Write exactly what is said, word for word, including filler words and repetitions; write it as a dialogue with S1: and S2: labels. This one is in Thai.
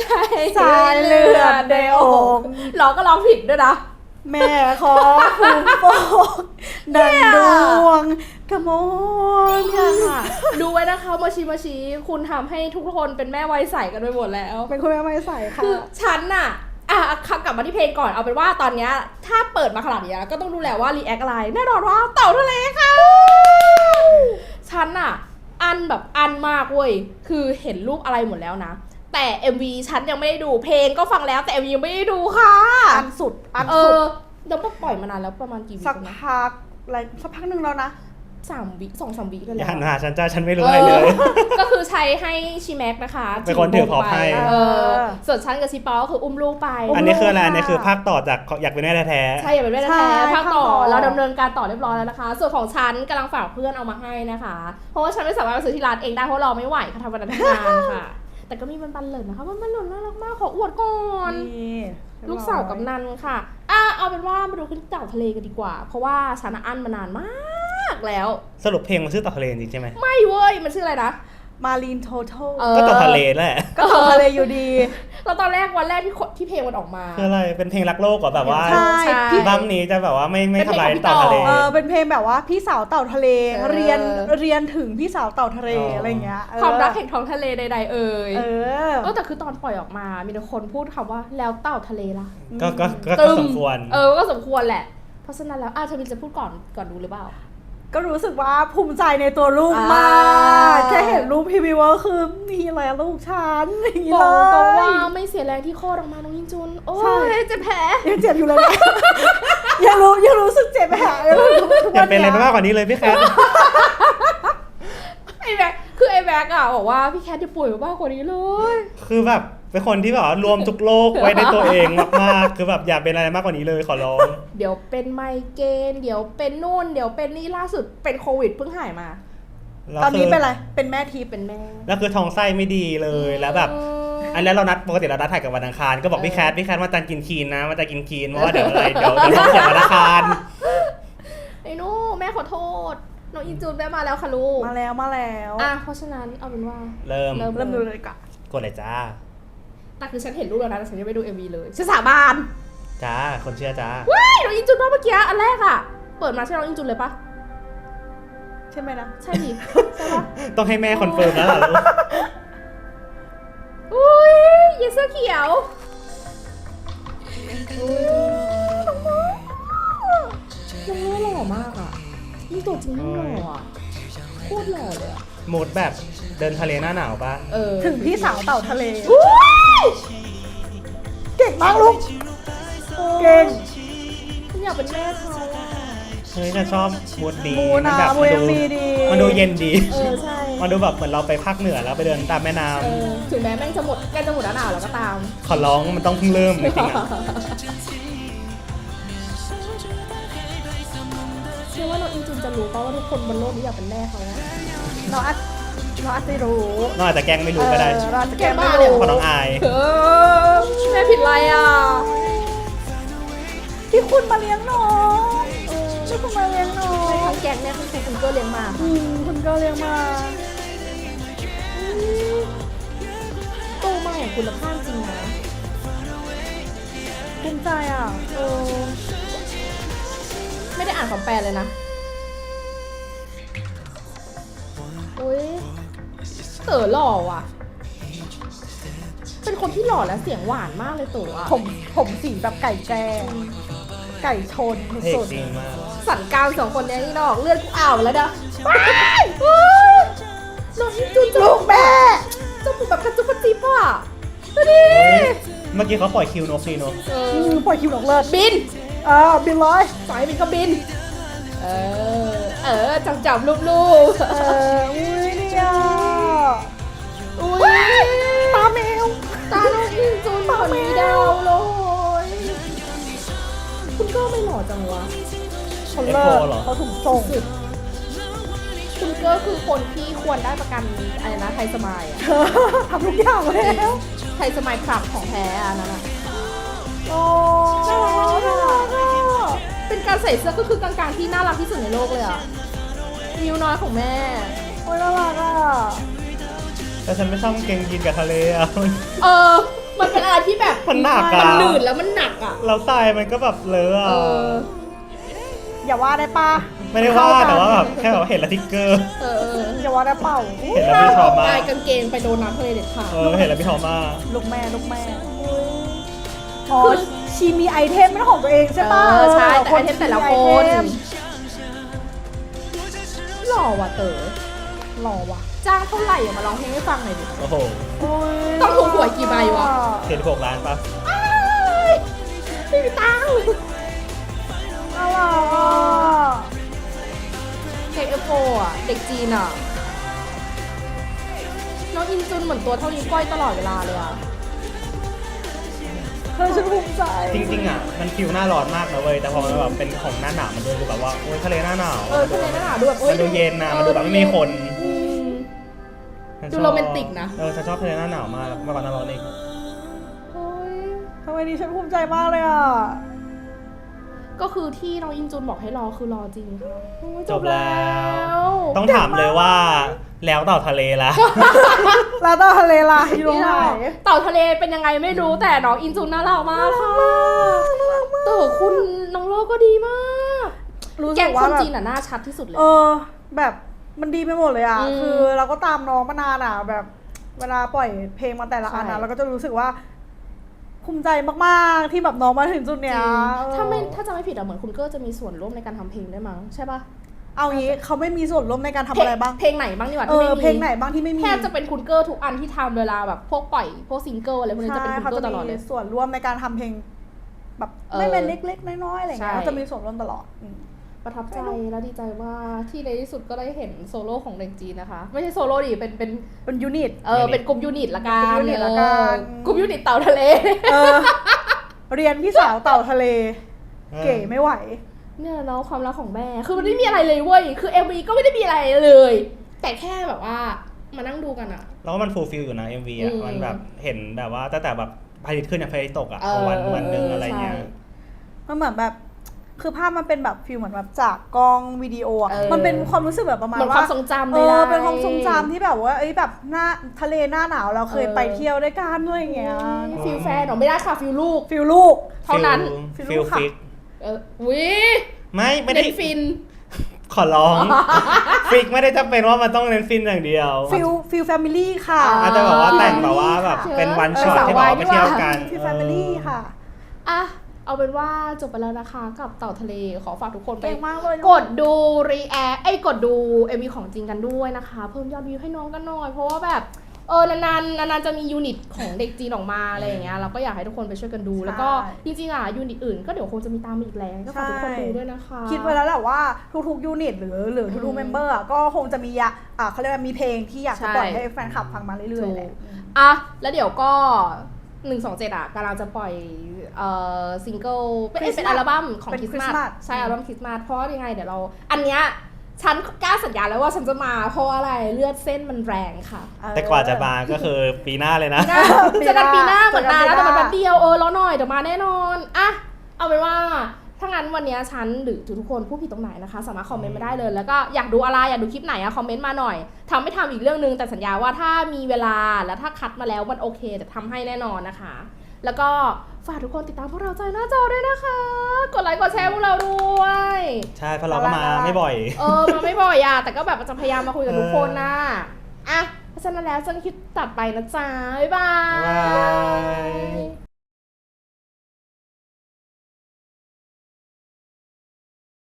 S1: สายเลือดในอก
S2: ร้องก็ร้องผิดด้วยนะ
S1: แม่ขอภูมิโปกดังดวงกระมอน
S2: ค่ะดูไว้นะคะมาชีมาชีคุณทำให้ทุกคนเป็นแม่วัยใสกันไปหมดแล้ว
S1: เป็นคุณแม่วัยใสค่ะ
S2: คือฉันน่ะอ่ะกลับมาที่เพลงก่อนเอาเป็นว่าตอนนี้ถ้าเปิดมาขนาดนี้ก็ต้องดูแลว่ารีแอคอะไรแน่นอนว่าเต่าทะเลค่ะฉันน่ะอันแบบอันมากเว้ยคือเห็นรูปอะไรหมดแล้วนะแต่ เอ็ม วี ฉันยังไม่ได้ดูเพลงก็ฟังแล้วแต่ เอ็ม วี ยังไม่ได้ดูค่ะ
S1: อันสุดอัน
S2: สุ
S1: ด
S2: เดี๋ยวปล่อยมานานแล้วประมาณกี่วิ
S1: สักพักอะไรสักพักนึงแล้วนะ
S2: สามวิสองสามวิกันแล้ว
S3: อย่าหาฉันจ้าฉันไม่รู้อะไรเลย
S2: ก็คือใช้ให้ชีแม็กนะคะ
S3: เป็นคนถือพอให้
S2: ส่วนฉันกับชีปอก็คืออุ้มลูกไป
S3: อันนี้คืออะไรอันนี้คือภาคต่อจากอยากเป็นแม่แท้
S2: ๆใช่อยากเป็นแม่แท้ๆภาคต่อเราดำเนินการต่อเรียบร้อยแล้วนะคะส่วนของฉันกำลังฝากเพื่อนเอามาให้นะคะเพราะว่าฉันไม่สามารถไปซื้อที่ร้านเองได้เพราะเราไม่ไหวค่ะทำวันทำงานค่ะแต่ก็มีบันบันเลยนะคะบันบันหล่นน่ารักมากขออวดก่อนลูกสาวกับนันค่ะอ่ะเอาเป็นว่ามาดูขึ้นเต่าทะเลกันดีกว่าเพราะว่าฉันอั้นมานานมากแล้ว
S3: สรุปเพลงมันชื่อเต่าทะเลจริงใช่ไหม
S2: ไม่เว้ยมันชื่ออะไรนะ
S1: มารีนโทโท
S3: ก็เต่าทะเลแหละ
S1: ก็เต่าทะเลอยู่ดี
S2: แล้วตอนแรกวันแรกที่ที่เพลงมันออกมา
S3: คืออะไรเป็นเพลงรักโลกเหรอแบบว่า
S1: ใช่
S3: พี่บัมนี้จะแบบว่าไม่ไม่ทำลายเต่าทะเล
S1: เออเป็นเพลงแบบว่าพี่สาวเต่าทะเลเรียนเรียนถึงพี่สาวเต่าทะเลอะไรเงี้ย
S2: ความรักแห่งท้องทะเลใดๆเอ่ย
S1: เออ
S2: เออแต่คือตอนปล่อยออกมามีแต่คนพูดคำว่าแล้วเต่าทะเลล่ะ
S3: ก็ก็ก็สมควร
S2: เออก็สมควรแหละเพราะฉะนั้นแล้วอ่ะเธอจะพูดก่อนก่อนดูหรือเปล่า
S1: ก็รู้สึกว่าภูมิใจในตัวลูกมากแค่เห็นรูปพี่วิวก็คือนี่แหละลูกฉันอย่างนี้เลย
S2: บอกตรงว่าไม่เสียแรงที่โคตรออกมาน้องยินจุนโอ้ยเจ็บแผล
S1: ยังเจ็บอยู่เลยยังรู้ยังรู้สึกเจ็บแผล
S3: อย่าเป็นอะไรมากกว่านี้เลยพี่แคท
S2: ไอ้แบ็คคือไอ้แบ็คอะบอกว่าพี่แคทจะป่วยมากกว่านี้เลย
S3: คือแบบเป็นคนที่แบบรวมทุกโรคไว้ในตัวเองมากๆคือแบบอย่าเป็นอะไรมากกว่านี้เลยขอร้อง
S2: เดี๋ยวเป็นไมเกรนเดี๋ยวเป็นนู่นเดี๋ยวเป็นนี่ล่าสุดเป็นโควิดเพิ่งหายมา
S1: ตอนนี้เป็นอะไรเป็นแม่ที
S2: เป็นแม่
S3: แล้วคือท้องไส้ไม่ดีเลยแล้วแบบอันแล้วเรานัดปกติเรานัดถ่ายกับวันอังคารก็บอกพี่แคทพี่แคทมาจันกินคีนนะมาจันกินคีนเพราะว่าเดี๋ยวอะไรเดี๋ยวเดี๋ยวท้องเสียวันอังคาร
S2: ไอ้นู่แม่ขอโทษน้องอินจูนแม่มาแล้วค่ะลูก
S1: มาแล้วมาแล้ว
S2: อ่ะเพราะฉะนั้นเอาเป็นว่า
S3: เริ่ม
S1: เริ่มดูเลยก่อน
S3: กดเลยจ้า
S2: แต่คือฉันเห็นรูปแล้วนะแต่ฉันยังไม่ดู เอ็ม วี เลยฉันสาบาน
S3: จ้าคนเชื่อจ้า
S2: ว้ายน้องอินจุนเมื่อกี้อันแรกอะเปิดมาใช่น้องอินจุนเลยปะ
S1: ใช่ไหมนะ
S2: ใช่ดิใช่ปะ
S3: ต้องให้แม่คอนเฟิร์มแล้วเหรอลูก
S2: อุ้ยเยเสื้อเขียวน้องหล่อมากอะยิ่งตัวจริงยิ่งหล่ออะโคตรหล่อเลยอะ
S3: โหมดแบบเดินทะเลหน้าหนาวปะ
S1: ถึงพี่สาวเต่าทะเลเก่งมากลูกเก่ง
S2: ฉันอยากเป็นแม่เขา
S3: เฮ้ยฉันชอบมูดดี
S1: มันแบบมันดู
S3: มันดูเย็นดี
S2: เออใช่
S3: มันดูแบบเหมือนเราไปภาคเหนือแล้วไปเดินตามแม่น้
S2: ำถึงแม้แม่งจะหมดใกล้จะหมดหนาวแล้วก็ตาม
S3: ขอร้องมันต้องเพิ่งเริ่มจริงๆอ่ะ
S2: เชื่อว่าน้องอินจินจะรู้ป่ะว่าทุกคนบนโลกนี้อยากเป็นแม่เขา
S1: เราอาจเราอาจจะรู้
S3: น้องอาจจะแกล้งไม่รู้ก็ได้
S1: เราอาจจะแกล้งไม่รู้
S3: เพราะน้องอาย
S2: แม่ผิดอะไรอ่ะ
S1: ที่คุณมาเลี้ยงน้องที่คุณมาเลี้ยงน้อง
S2: ทั้งแกงเนี่ยคุณคุณก็เลี้ยงมา
S1: คุณก็เลี้ยงมา
S2: โตมาอย่างคุณภาพจริงนะ
S1: ภูมิใจอ่ะ
S2: เออไม่ได้อ่านคำแปลเลยนะอุ้ยเต๋อหล่อว่ะเป็นคนที่หล่อและเสียงหวานมากเลยเต๋อ
S1: ผมผมสีแบบไก่แจ้ไก่ชน
S3: สุด
S2: สันกลางสองคนนี้นี่นอกเลือดกูอ่าวแล้วเด้อน้องจุน
S1: ลูกแม่
S2: จมูกแบบกระจุกกระจิบอ่ะดูดิ
S3: เมื่อกี้เขาปล่อยคิวนกดีเนาะ
S1: ปล่อยคิวนกเลิศ
S2: บิน
S1: เออบินเลย
S2: สายบินก็บินเออเออจับจับลูบ
S1: ๆเอออุ้ยเนี่ย
S2: อุ้ย
S1: ตาแมว
S2: ตาน้องอินจูนเหมือนมีดาวเลยคุณก็ไม่หล่อจังวะ
S1: เขาเลิกเขาถูกส่ง
S2: คุณก็คือคนที่ควรได้ประกันอะไรนะไทยสมายอะ
S1: ทำทุกอย่างแล้ว
S2: ไทยสมายคลับของแท้อะนั่นอะ
S1: โอ้
S2: เป็นการใส่เสื้อก็คือกางๆที่น่ารักที่สุดในโลกเลยอะมิวน้อยของแม่
S1: โอ้ยน่ารักอะ
S3: แต่ฉันไม่ชอบเกงยีนกับทะเลอะ
S2: เออมันเป็นอะไรที่แบบ
S3: มันหนัก
S2: มั
S3: อะ
S2: นหนืดแล้วมันหนักอ่ะ
S3: เราทรายมันก็แบบเลอะ
S2: เอ
S3: อะ
S2: อ
S1: อย่าว่าได้ปะ
S3: ไม่ได้ว่าแต่ว่าแบบแค่แบบเห็นแล้วทิกเกอร์
S2: เออเออ
S1: อย่าว่าได้เปล่า
S3: เห็นแล้วไม่ชอบมาก
S2: ลายกางเกงไปโดนน้ำทะเลเด็ดขาด
S3: เออเห็นแล้วพี่ทอมมาก
S1: ลูกแม่ลูกแม่อ๋อชีมีไอเทมเป็นของตัวเองใช่ปะ
S2: เออใช่แต่ไอเทมแต่ละคน
S1: ชีมีไอเทม
S2: หล่อว่ะเต๋อ
S1: หล่อว่ะ
S2: จ้างเท่าไหร่อะมาร้องเพลงให้ฟังหน่อยดิ
S3: โอ้โห
S1: โอ้ย
S2: ต้องถูกหวยกี่ใบวะ
S3: เจ็ดหกล้านปะ
S2: ไม่มีตังค์
S1: น่ารักอ่ะ
S2: เด็กเอฟโฟอ่ะ เด็กจีนอ่ะ น้องอินจุนเหมือนตัวเท่านี้วก้อยตลอดเวลาเลยอ่ะ
S1: เธอฉันภูมิใจ
S3: จริงๆอ่ะมันฟิวหน้าร้อนมากนะเว้ยแต่พอมันแบบเป็นของหน้าหนาวมันดูแบบว่าโอ้ยทะเลหน้าหนาว
S2: เออทะเลหน้าหนาวดูแบบโอ๊ย
S3: มันดูเย็นนะมันดูแบบไม่มีคน
S2: อืม
S3: ฉันช
S2: ดู
S3: อบ
S2: โรแมนติกนะ
S3: เออฉันชอบทะเลหน้าหนาวมากมากกว่าหน้าร้อนอีก
S2: โอ๊ย
S1: ทำไมนี่ฉันภูมิใจมากเลยอ่ะ
S2: ก็คือที่น้องอินจุนบอกให้รอคือรอจริงค่ะโอ้ย
S3: จบแล้ว
S2: ว
S3: ต้องถามเลยว่าแล้วเต่าทะเลล่ะ
S1: แล้วต่อทะเลล่ะอยู่ตรงไหน
S2: เต่าทะเลเป็นยังไงไม่รู้แต่น้องอินจุนน่ารักมากค่ะแต่คุณน้องโลก็ดีมาก
S1: รู้
S2: แก
S1: สึ
S2: ง
S1: ก
S2: ค
S1: ว่าน แบบ
S2: จีนอ่ะน่าชัดที่สุดเลย
S1: เออ แบบมันดีไปหมดเลยอ่ะ
S2: อืม
S1: คือเราก็ตามน้องมานานอ่ะ แบบเวลาปล่อยเพลงมาแต่ละอัน
S2: ใช่
S1: นะเราก็จะรู้สึกว่าภูมิใจมากๆที่แบบน้องมาถึงจุด
S2: จ
S1: เนี้
S2: ริ
S1: ย
S2: งถ้าไม่ถ้าจะไม่ผิดอะเหมือนคุณเกอร์จะมีส่วนร่วมในการทำเพลงด้วยมั้งใช่ปะ
S1: เอางี้เขาไม่มีส่วนร่วมในการทำอะไรบ้าง
S2: เพลงไหนบ้างดีกว่า
S1: เอ
S2: ที่
S1: อ
S2: ไม่มี
S1: เพลงไหนบ้างที่ไม่มี
S2: แทบจะเป็นคุณเกอร์ทุกอันที่ทำเวลาแบบพวกปล่อยพวกซิงเกิลอะไรพวกนี้จะเป็นคุณ
S1: เขา
S2: เกอ
S1: จะ
S2: ร์ตลอด
S1: มี
S2: เลย
S1: ส่วนร่วมในการทำเพลง แบบ
S2: เออ
S1: ไม่เป็นเล็กๆน้อยๆอะไรเงี้ย
S2: ใช่
S1: เขาจะมีส่วนร่วมตลอดอืม
S2: ประทับใจและดีใจว่าที่ในที่สุดก็ได้เห็นโซโล่ของเด็กจีนนะคะ ไม่ใช่โซโล่ดิเป็นเป็น
S1: เป็นยูนิต
S2: เออเป็นกลุ่มยูนิตละกัน
S1: กลุ่มยูนิตละกัน
S2: เออกลุ่มยูนิตเต่าทะเล
S1: เออ เรียนพี่สาวเต่าทะเล
S3: เออ
S1: เก๋ไม่ไหว
S2: เนี่ยเนาะความรักของแม่ คือมันไม่มีอะไรเลยเว้ย คือ เอ็ม วี ก็ไม่ได้มีอะไรเลย แต่แค่แบบว่ามานั่งดูกันอะ
S3: แล้วก็มันฟูลฟิลอยู่นะ เอ็ม วี อ่ะ
S2: อืม
S3: มันแบบเห็นแบบว่าตั้งแต่แบบพระอาทิตย์ขึ้นอย่างพระอาทิตย์ตกอ่ะ
S2: เออ
S3: วันวันหนึ่งอะไรเงี้ย
S2: ใช่
S1: มันเหมือนแบบ คือภาพมันเป็นแบบฟิลเหมือนแบบจากกล้องวิดีโออะ
S2: เออ
S1: มันเป็นความรู้สึกแบบประมาณ
S2: เหมือน
S1: ว่า
S2: ความทรงจำ
S1: เอ
S2: เลย
S1: อ
S2: นะ
S1: เป็นความทรงจำที่แบบว่า เอ้ยแบบหน้าทะเลหน้าหนาวเราเคย
S2: เออ
S1: ไปเที่ยวด้วยกันด้วยอย่างเงี้ย
S2: ฟิลแฟนเหรอไม่ได้ค่ะฟิลลูก
S1: ฟิลลูก
S2: เท่านั้น
S1: ฟิ
S3: ฟิ
S1: ล
S3: ล
S1: ค่ะ
S3: ฟิก
S2: เออวิ
S3: ไม่ไม่ได้
S2: เน้นฟิน
S3: ขอร้อง ฟิกไม่ได้จำเป็นว่ามันต้องเน้นฟินอย่างเดียว
S1: ฟิลฟิลแฟมิลี่ค่ะ
S2: อ๋อ
S3: อาจจะแบบว่าแต่ง
S1: ฟิล
S3: แบบว่าแบบ
S2: ค่ะ
S3: เป็นวัน
S2: เออ
S3: ช็อต
S2: สาว
S3: ที่แบบว่า
S2: วาย
S3: ไปเที่ยว
S2: นี่หว่า
S3: กัน
S1: ฟิลแฟมิลี่ค่ะ
S2: อ่ะเอาเป็นว่าจบไปแล้วนะคะกับเต่าทะเลขอฝากทุกคนไป
S1: เก่งมากเลย
S2: กดดูรีแอคไอ้ยกดดู เอ็ม วี ของจริงกันด้วยนะคะ เพิ่มยอดวิวให้น้องกันหน่อย เพราะว่าแบบเออนานๆนานๆจะมียูนิตของเด็กจีนออกมาอะไรอย่างเงี้ยเราก็อยากให้ทุกคนไปช่วยกันดู แล้วก็จริงๆอ่ะยูนิตอื่นก็เดี๋ยวคงจะมีตามมาอีกแล้วก็ฝากทุกคนดูด้วยนะคะ
S1: คิดไว้แล้วแหละว่าทุกๆยูนิตหรือหรือทุกๆเมมเบอร์อะก็คงจะมียะอ่ะเขาเรียกว่ามีเพลงที่อยากจะปล่อยให้แฟนคลับฟังมาเรื่อยๆแหละ
S2: อ่ะแล้วเดี๋ยวก็หนึ่งสองเจ็ดอ่ะกำลังจะปล่อยเอ่อซิงเกิลเป็น
S1: Christmas
S2: เป็นอัลบั้มของ
S1: เป็น
S2: คริสต์มาส
S1: Christmas
S2: ใช่อัลบั้มคริสต์มาสเพราะว่ายังไงเดี๋ยวเราอันเนี้ยฉันกล้าสัญญาแล้วว่าฉันจะมาเพราะว่าอะไรเลือดเส้นมันแรงค่ะ
S3: แต่กว่าจะมาก็คือปีหน้าเลยนะ
S1: ปี
S2: จะ
S1: หน้า
S2: กันปีหน้าเหมือนนานแล้ว
S1: เจอกันปีหน้า
S2: แต่มันแป๊บเดียวเออรอหน่อยเดี๋ยวมาแน่นอนอะเอาเป็นว่าถ้างั้นวันนี้ฉันหรือทุกคนผู้ผิดตรงไหนนะคะ สามารถคอมเมนต์มาได้เลย แล้วก็อยากดูอะไรอยากดูคลิปไหนอะคอมเมนต์มาหน่อยทำไม่ทำอีกเรื่องนึงแต่สัญญาว่าถ้ามีเวลาแล้วถ้าคัดมาแล้วมันโอเคจะทำให้แน่นอนนะคะ แล้วก็ฝากทุกคนติดตามพวกเราใจหน้าจอด้วยนะคะ กดไลค์กดแชร์พวกเราด้วย
S3: ใช่เพราะเราก็มาไม่บ่อย
S2: เออมาไม่บ่อยอะแต่ก็แบบจะพยายามมาคุยกับทุกคนนะอ่ะเพราะฉะนั้นแล้วเจอกันคลิปตัดไปนะจ๊ะบ๊ายบา
S3: บ๊ายบาย ย